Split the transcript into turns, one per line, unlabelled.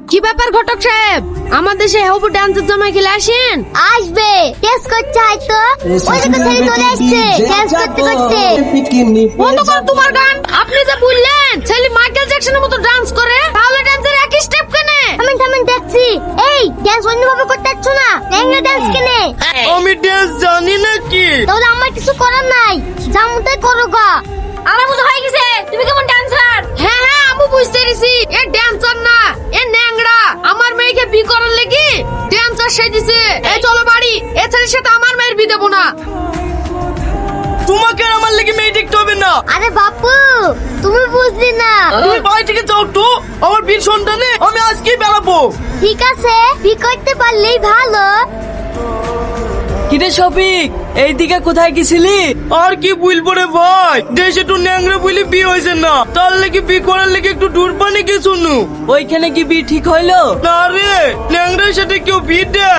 কি ব্যাপার ঘটক সাহেব, আমার দেশে হেবু ডান্সের জামাই খেলে আসেন?
আসবে টেস্ট করতে হয়তো ওই দেখো ছেলে চলে আসছে ডান্স করতে করতে।
বন্ধ করো তোমার গান। আপনি যে বললেন ছেলে মাইকেল জ্যাকসনের মতো ডান্স করে, তাহলে ডান্সের একই স্টেপ কেনে?
থামেন দেখছি। এই ডান্স অন্যভাবে করতে পারছো না, ন্যাংরা ডান্স কেনে?
আমি ড্যান্স জানি নাকি?
তাহলে আমার কিছু করার নাই, জামুতাই করো গা।
আমার মতো হয়ে গেছে, তুমি কেমন ডান্সার? হ্যাঁ হ্যাঁ, আমি বুঝতে পেরেছি, এ ডান্সার না, এ ন্যাংরা। আমার মেয়েকে বি করার লেগে ডান্সার সেজেছে। এই চলো বাড়ি, এ ছেলের সাথে আমার মেয়ের বি দেবো না।
তোমাকে আর আমার লেগে মেয়ে দেখতে হবে না।
আরে বাপু তুমি বুঝলি না।
তুমি বাড়ি থেকে যাও তো, আমার বীর সন্তানে আমি আজকেই বেড়াবো।
ঠিক আছে বি করতে পারলেই ভালো।
কিরে শফিক, এইদিকে কোথায় গেছিলি?
আর কি বলবো রে ভাই, দেশে তো ন্যাংরা বলে বিয়ে হয়েছে না, তার লেগে বিয়ে করার লেগে একটু দূর পানি গেছুনু।
ওইখানে কি বিয়ে ঠিক হইলো?
না রে, ন্যাংরার সাথে কেউ বিয়ে দেয়?